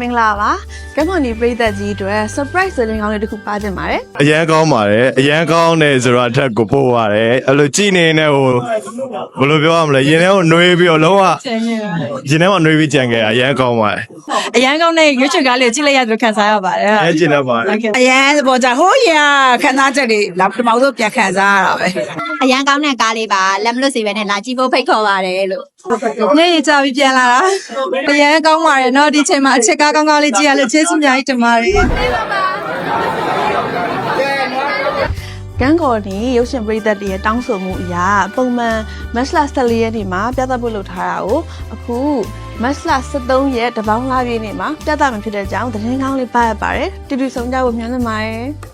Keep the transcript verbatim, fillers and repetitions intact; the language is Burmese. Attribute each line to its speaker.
Speaker 1: င်္ဂလာပါကမ်ကွန်ဒီပြည်သက်ကြီးအတွက် surprise သတင်းကောင်းလေးတစ်ခုပါတင်ပါတယ်
Speaker 2: အရန်ကောင်းပါတယ်အရန်ကောင်းတယ်ဆိုတော့အထက်ကိုပို့ပါတယ်အဲ့လိုကြည်နေနေဟိုဘယ်လိုပြောရမလဲရင်ထဲကိုနှွေးပြီးတော့လုံးဝရင်ထဲမှာနှွေးပြီးကြံခဲ့တာအရန်ကောင်းပါတယ်
Speaker 3: အရန်ကောင်းတဲ့ရွှေချွေကားလေးကိုကြည့်လိုက်ရတယ်ခံစားရပါတယ်
Speaker 2: အဲကျင်တတ်ပါတယ်
Speaker 4: အရန်ပေါ်ကြဟိုးရခန်းသားချက်တွေလောက်ပထမဆုံးပြန်ခံစားရတာပဲ
Speaker 5: အရန်ကောင်းတဲ့ကားလေးပါလက်မလွတ်စေပဲနဲ့လာကြည့်ဖို့ဖိတ်ခေါ်ပါတယ်လို့
Speaker 3: နေ့ရကြပြီးပြန်လာတာအရန်ကောင်းပါတယ်เนาะဒီချိန်မှာအချက်ကားကောင်းကောင်းလေးကြည့်ရလို့ကျေးဇူးအများကြီးတင်ပါတယ်
Speaker 1: ကမ်ကွန်ဒီရုပ်ရှင်ပြည်သက်တွေရဲ့တောင်းဆိုမှုအရာပုံမှန်မတ်လဆယ်လေးရက်နေ့မှာပြသဖို့လုပ်ထားတာကိုအခုမတ်လဆယ်သုံးရက်တပေါင်းလပြည့်နေ့မှာပြသမှာဖြစ်တဲ့အကြောင်းသတင်းကောင်းလေးပါရပါတယ်တူတူဆုံးကြဖို့မျှော်လင့်ပါတယ်